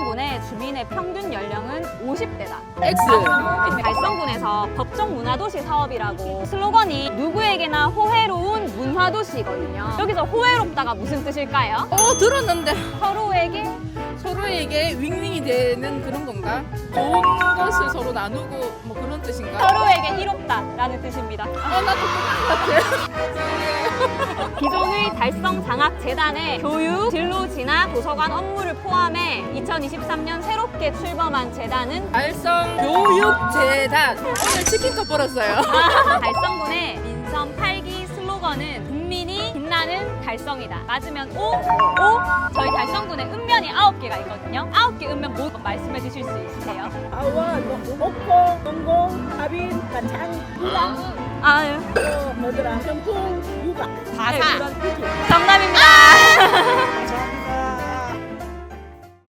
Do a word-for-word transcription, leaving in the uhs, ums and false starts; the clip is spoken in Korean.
달성군의 주민의 평균 연령은 오십 대다. X. 달성군에서 법정 문화도시 사업이라고 슬로건이 누구에게나 호혜로운 문화도시거든요. 여기서 호혜롭다가 무슨 뜻일까요? 어, 들었는데 서로에게 서로에게 윙윙이 되는 그런 건가? 좋은 것을 서로 나누고 뭐 그런 뜻인가? 서로에게 이롭다라는 뜻입니다. 아, 나도 그런 것 같아. 기존의 달성장학재단의 교육, 진로 진학, 도서관 업무를 포함해 이천이십삼 년 새롭게 출범한 재단은 달성 교육재단. 오늘 치킨값 벌었어요. 달성군의 민선 팔 기 슬로건은 국민이 빛나는 달성이다. 맞으면 오, 오. 저희 달성군에 읍면이 아홉 개가 있거든요. 아홉 개 읍면 모두 말씀해 주실 수 있으세요? 아원, 목포, 동공, 하빈, 가창, 유라, 아유, 또 뭐더라, 경풍, 유박. 바사. 네, 그런 뜻이. 정답입니다. 가창.